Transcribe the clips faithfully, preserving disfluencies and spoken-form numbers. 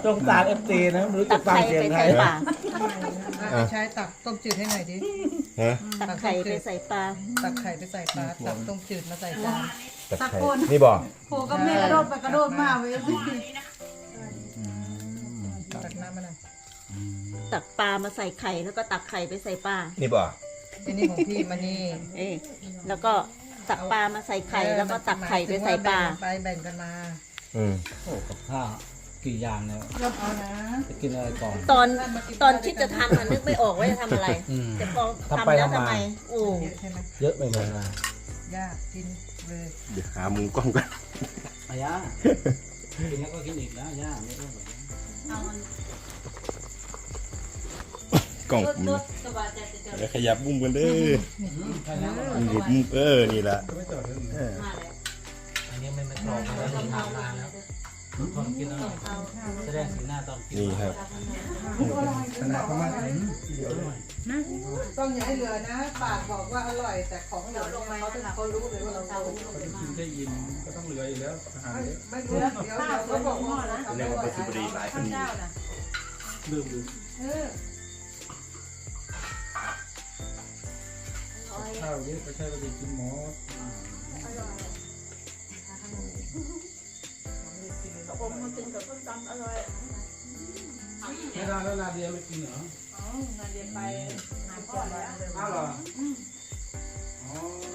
สงสารเอฟซีนะไม่รู้จะฟังเสียงใครใช้ตักต้มจืดให้หน่อยดิฮะตักไข่ไปใส่ปลาตักไข่ไปใส่ปลาตักต้มจืดมาใส่จานตะไคร้นี่บอกโผก็แม่กระโดดไปกระโดดมาเว้ยตักน้ำมาหน่อยตักปลามาใส่ไข่แล้วก็ตักไข่ไปใส่ปลานี่บอกที่นี่ของพี่มานี่เอ๊ะแล้วก็ตักปลามาใส่ไข่แล้วก็ตักไข่ไปใส่ปลาไปแบ่งกันมาอืมโอ้กับข้าวกี่อย่างเนี่ยเอานะจะกินอะไรก่อนตอนตอนคิดจะทำมันนึกไม่ออกว่าจะทำอะไรอืมแต่พอทำทำไปแล้วทำมาทำไมโอ้เยอะใช่ไหมเยอะไปหมดเลยยากกินเลยเดี๋ยวหามุมกล้องกันอาย่ากินแล้วก็กินอีกนะย่าไม่ต้องแบบเอามันกล้องผมลดๆสบายใจจะเจอเดี๋ยวขยับมุมกันเด้อใช่แล้วมุมมุมเออนี่ละเออมาแล้วอันนี้ไม่ไม่กรอบแล้วทำนานแล้วตอนกินแล้วแสดงสีหน้าตอนกินนี่ครับขนาดประมาณต้องอย่าให้เหลือนะปากบอกว่าอร่อยแต่ของเหลือเนี่ยเขาจะเขารู้เลยว่าเราโกงกินได้ยินก็ต้องเหลืออยู่แล้วอาหารเยอะไม่รู้เดี๋ยวเดี๋ยวเขาบอกว่าทำเรีไม่ยกไหวว่าเป็นสิบดีหลายคนนี้ลืมลืมเออข้าวเยอะก็ใช่ว่าจะกินหมอผมมันกินกับต้มตำอร่อยไม่ได้แล้วลาเดียไม่กินเหรออ๋องานเรียนไปหาพ่อแล้วอ้าวเหรออ๋อ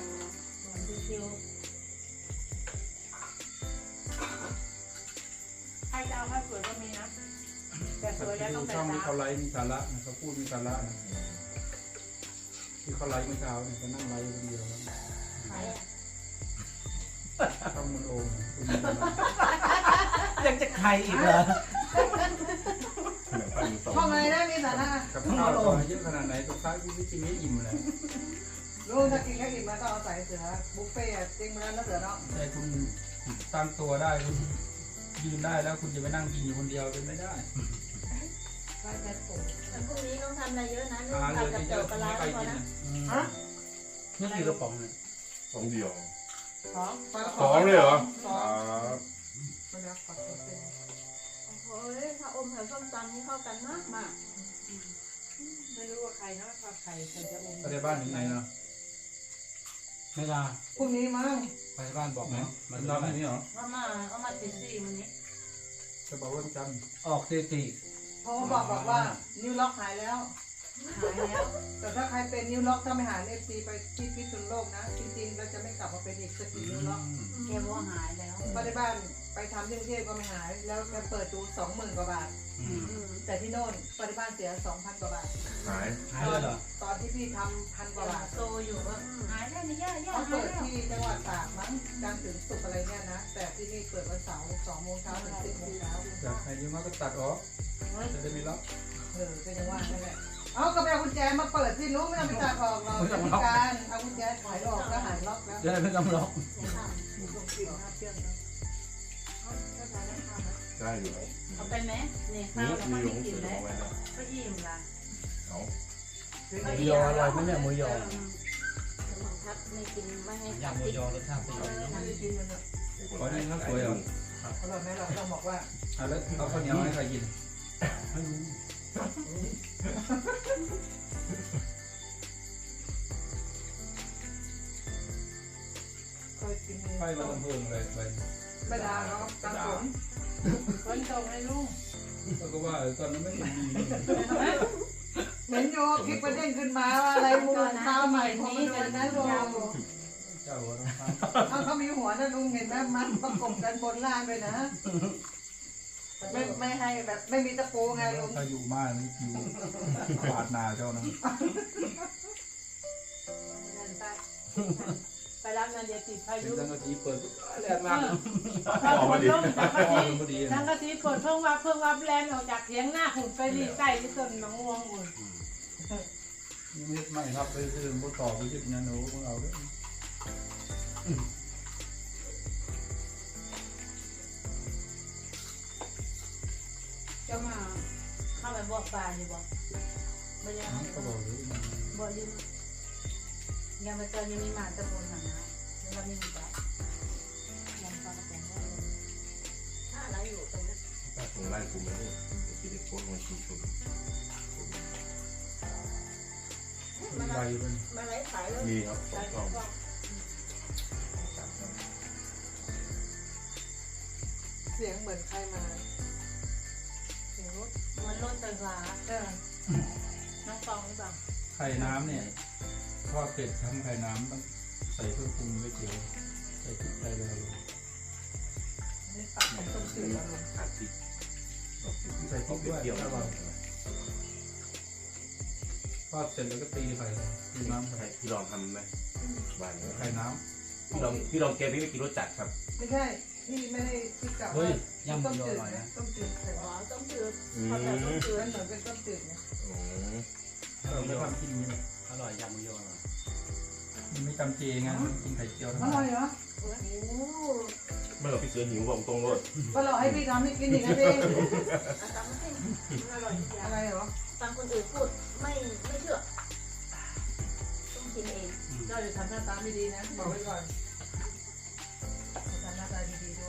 ใครจะเอาข้าวสวยก็มีนะแต่สวยแล้วต้องดูแต่ช่องที่เช้าเขาไลฟ์มีสาระนะเขาพูดมีสาระนะที่เขาไลฟ์เมื่อเช้าเนี่ยเขานั่งไลฟ์คนเดียวแล้วช่องมันโอมคุณมีสาระยังจะใครอีกเหรอห้องอะไรได้มีสาระกับข้าวต่อเยอะขนาดไหนสุดท้ายพี่ไม่กินไม่อิ่มเลยลูกถ้ากินแค่อิ่มมาต้องเอาใส่เสือบุฟเฟ่ต์จริงมาแล้วนะเสือเนาะแต่คุณตั้งตัวได้คุณยืนได้แล้วคุณจะไปนั่งกินอยู่คนเดียวเป็นไม่ได้ใช่แค่ผมแต่พรุ่งนี้ต้องทำอะไรเยอะนะนึ่งอาหารผัเหดลือกับเยเจียวอะปลาไม่ร้าไปพอกินนะนะนี่กี่กระป๋องเนี่ยสองเดียวสองสองเลยเหรอสองไม่รักขอตัวเป็นโอ้ยถ้าอมกับส้มตำนี่เข้ากันมากมากไม่รู้ว่าใครนะว่าใครใครจะอมไปในบ้านถึงไหนเนาะไม่ลาพรุ่งนี้มั้งไปบ้านบอกไหมมันนอนที่นี่เหรอเอามาเอามาติดซี่มันนี้จะบอกว่าจันทร์ออกตีตีโทรมาบอกบอกว่านิ้วล็อกหายแล้วหายแล้ว แต่ถ้าใครเป็นนิ้วล็อกถ้าไม่หายเอฟซีไปที่พิษณุโลกนะจริงๆเราจะไม่กลับมาเป็นอีกสกิลนิ้วล็อกแกว่าหายแล้วเพราะในบ้านไปทำที่กรุงเทพก็ไม่หาย แล้วแกเปิดดูสองหมื่นกว่าบาท แต่ที่โน่นปริมาณเสียสองพันกว่าบาทหายหายแล้วเหรอตอนที่พี่ทำพันกว่าบาทโตอยู่ว่าหายแล้วนี่ย่าย่าเขาหายเปิดแล้วที่จังหวัดตากมั้งจันทร์ถึงศุกร์อะไรเนี่ยนะ แต่ที่นี่เปิดวันเสาร์สองโมงเช้าถึงสิบโมงเช้าอยากให้ยืมมาก็ตัดออกจะได้ไม่ล็อกเออก็ยังว่านั่นแหละเอาก็ไปเอากุญแจมาเปิดสิรู้ไม่ต้องไปตัดออกหรอกจัดการเอากุญแจขายออกก็หายล็อกแล้วจะได้ไม่ต้องล็อกได้อยู่เอาไปไหมนี่ข้านี่วแล้วมีก็หลไม่งกินสือแล้วเอาไว้แล้วก็อิ่มละเอาหมูยออร่อยไหมเนี่ยหมูยอทับไม่กินไม่ให้ยำหมูยอรสชาติเป็นยังไงไม่ได้กินมันเนี่ยขอนี่ข้าวสวยเหรออร่อยไหมเราเราบอกว่าอ่ะแล้วเอาข้าวเหนียวให้ใครกินเคยกินไฟมาลำเพิงเลยไปไม่ได้เนาะตามผมคนตรงให้ลุงแล้วก็ว่าตอนนั้นไม่เห็นมีเหมือนโยคลิปประเด็นขึ้นมาว่าอะไรมูลข้าวใหม่ของมันเลยนะลุงเจ้าหัวน้ำฟ้าเอาเขามีหัวนะลุงเห็นไหมมันประกบกันบนล่างเลยนะ ไม่ไม่ให้แบบไม่มีตะปูไงลุงถ้าอยู่บ้านนี่อยู่ปาดนาเจ้านะไปรับงานเดียติดพาเป็นยุสังกะสีเปิดแดดมากพอฝนลงสังกะพอสีพอดีสังกะสีเปิดเพิ่งวับเพิ่งวับแลนออกจากเถียงหน้าหุ่นไปรีใต้ที่ต้นมะม่วงอุ่นนี่ไม่ครับไปซื้อพวกต่อไปยึดยันหนูพวกเราด้วยเจ้ามาเข้าไปบอกปลาอยู่บ่ไม่ได้ก็บอกเลยบ่ยืมยังไม่เจอยังมีหมาตะบนหนังนะแล้วมีปลายังปลากระป๋องได้เลยถ้าอะไรอยู่ตรงนั้นตัดผมไล่กลุ่มไม่ได้คิดได้โค้ดมาชิมชมใบเป็นมาไล่ขายเลยมีครับสองกล่องเสียงเหมือนใครมาเสียงรถเหมือนรถไฟฟ้าเออน้องฟองหรือเปล่าไข่น้ำเนี่ยทอดเสร็จทำไข่น้ำต้องใส่เครื่องปรุงไว้เจียวใส่พริกใส่อะไรลงนี่ปักของต้มจืดลงขาดพริกใส่พริกด้วยเปรี้ยวแล้วก็ทอดเสร็จแล้วก็ตีไข่ตีน้ำใช่พี่ลองทำไหมบ้านนี้ไข่น้พี่ลองพี่ลองแกงพี่ไม่กินรสจัดครับไม่ใช่พี่ไม่ได้คิดกลับเฮ้ว่ายยำหต้มูมยอจืดร่อยนะนะต้มจืดไข่อ๋อต้องจืดอืมเขาแต่ต้องจืดมันเหมือนเป็นต้มจืดนะโอ้ำเราไม่ทำกินอย่างนี้เลยอร่อยยำหมูยอร่อยมันไม่จำเจไงมันกินไข่เจียวทั้งอนั้นร่อยเหรอไม่หรอกพี่เสือหิวบอกตรงรสก็เราให้พี่ทำให้กินอีกนะพี่อาตามมาให้มันอร่อยทุกอย่างอะไรเหรอฟังคนอื่นพูดไม่ไม่เชื่อต้องกินเองเจ้าจะทำหน้าตาไม่ดีนะบอกไว้ก่อนทำหน้าตาดีๆด้วย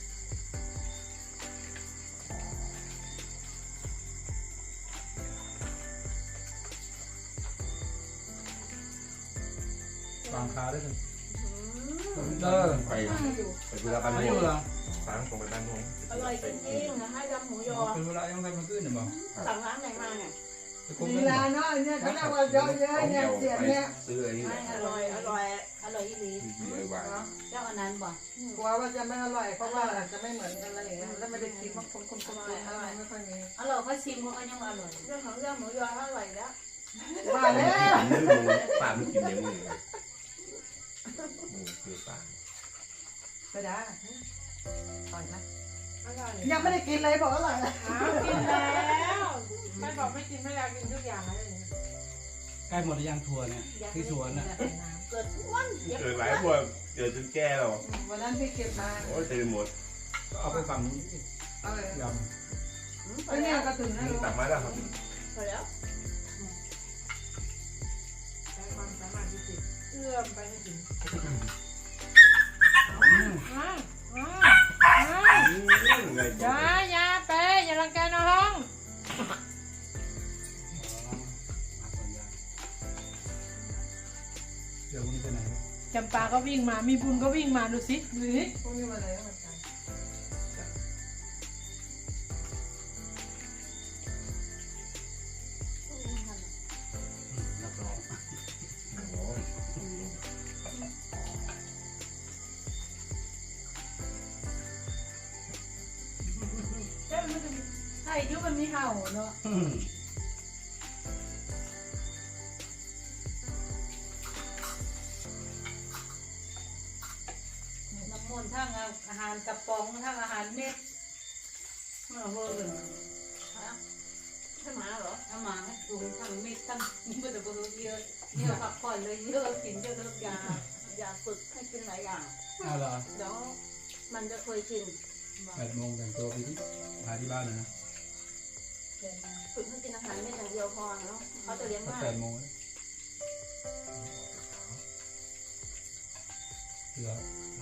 วางคาได้เลยอืมไปไปเวลาบ้านไม่ม่อวยู่งหรอฟ้างตรงไปบ้านม่วงอร่อยจริงๆนะคะยำหมูยอเป็นเวลายังไงมันขึ้นเนี่ยบอกสั่งร้านไหนมาเนี่ยจะคงลีไม่ลาเนาะเนี่ยเขาเรียกว่าเยอะเยอะเนี่ยเสียงเนี่ยซื้อไอ้นี่ไม่อร่อยอร่อยอร่อยอีหลีที่ไอ้วางเจ้าอันนั้นบ่กลัวว่าจะไม่อร่อยเพราะว่าอาจจะไม่เหมือนกันอะไรอย่างเงี้ยแล้วไม่ได้คิดว่าคนคนคนคนอะไรไม่ค่อยมีอร่อยเขาชิมเขาก็ยังอร่อยเรื่องของเรื่องหมูยออร่อยแล้วว่าแล้วมือมือปลาไม่กินเดี๋ยวมือมือคือปลาไปได้ต่อยนะอร่อยยังไม่ได้กินเลยบอกอร่อยนะอ้าวกินแล้วไม่บอกไม่กินไม่อยากกินทุกอย่างเลยใกล้หมดหรือยังทัวร์เนี่ยที่สวนน่ะเกิดทุกวันเย็บเกิดหลายพวกเกิดจนแก่แล้ววันนั้นพี่เก็บมาโอ้ยเต็มหมดเอาไปฝั่งนู้นเอาเลยยไอ้เนี่ยก็ถึงนะลูกตักมาแล้วครับพอแล้วใช้ความสามารถพิเศษเอื้อมไปให้ถึงอืมอ้าวอ้าวอ้าวไงอย่าอย่าไปอย่ารังแกน้องำเดี๋ยววันนี้ไปไหนจำปาก็วิ่งมา มีบุญก็วิ่งมาดูสิดูสิพวกนี้มาเลยเหมือนกันรับรองเจ้ามันจะไอ้ยุมันมีเห่าเนาะอืมน้ำมันทั้งอาหารกระป๋องทั้งอาหารเม็ดมาเวอร์เลยใช่หมาเหรอเอามาให้ดูทั้งเม็ดทั้งมันจะเบอร์เยอะเยอะพักผ่อนเลยเยอะกินเยอะเลิกยาอย่าฝึกให้กินหลายอย่างเอาเหรอเดี๋ยวมันจะเคยชินแปดโมงแต่งตัวไปที่หาที่บ้านเลยนะฝึกให้กินอาหารเม็ดอย่างเดียวพอเนาะเขาจะเลี้ยงสักง่ายแปดโมงเหลือ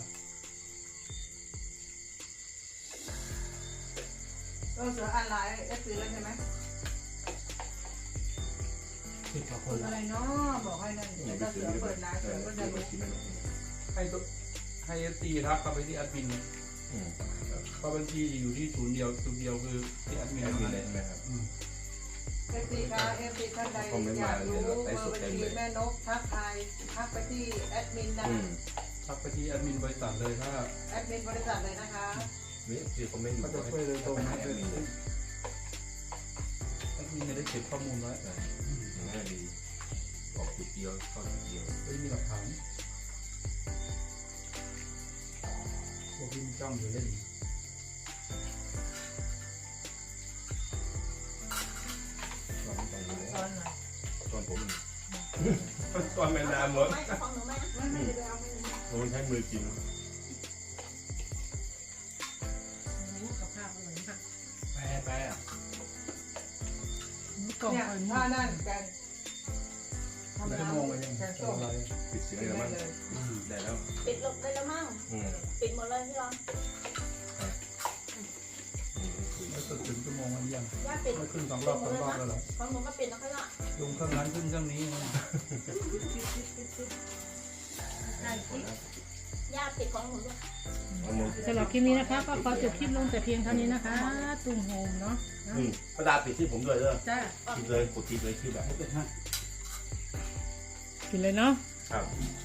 เออเสืออ่านไลน์เอฟซีแล้วใช่ไหมสิบกว่าคฝึนกแล้วอะไรเนาะบอกให้นั่นเดี๋ยวถ้าเสือเปิดไลน์เสือก็จะรู้ให้ตัวให้เอฟซีทักเข้าไปที่แอดมินเพราะบัญชีจะอยู่ที่ศูนย์เดียวศูนย์เดียวคือที่แอดมินแอดเท่ามินนั้นเลยใช่ไหมครับอืมเอฟซีค่ะเอฟซีท่านใดอยากรู้เบอร์บัญชีแม่นกทักทายทักไปที่แอดมินนะอืมทักไปที่แอดมินบริษัทเลยถ้าแอดมินบริษัทเลยนะคะนี่คือคอมเมนต์อยู่ก็จะช่วยเลยตรงให้แอแอดดมิมินนเลยแอดมินจะได้เก็บข้อมูลไว้ง่ายดีออกจุดเดียวเข้าจุดเดียวไม่มีหลักฐานพวกที่มีจ้องอยู่เล่นตอนตอนนี้ตอนไหนตอนผมตอนแมนดาหมดไม่ของหนูไหมไม่ไม่ได้ไปเอาไม่ได้ผมใช้มือกินกับข้าวอร่อยมากไปไปอ่ะกล่องเนี่ยไข่ถ้านั่นแกงทำไม่น้ได้มองไปยังำแกงส้มอะไรปิดเสียงเลยมั้งได้แล้วปิดลบได้แล้วมั้งอืมปิดหมดเลยพี่รอนแล้วสุดงมันยังย่าปิดไม่ขึ้นสองรอบสองรอบแล้วเหรอของหนูก็ปิดแล้วค่อยละลงเครื่องนั้นขึ้นเครื่องนี้นะย่าปิดของหนูด้วยสำหรับคลิปนี้นะคะก็ขอจบคลิปลงแต่เพียงเท่านี้นะคะ ตุ้งโฮมเนาะอืมประดาปิดที่ผมด้วยเด้อจ้าปิดเลยกดปิดเลยคือแบบกินเลยเนาะครับค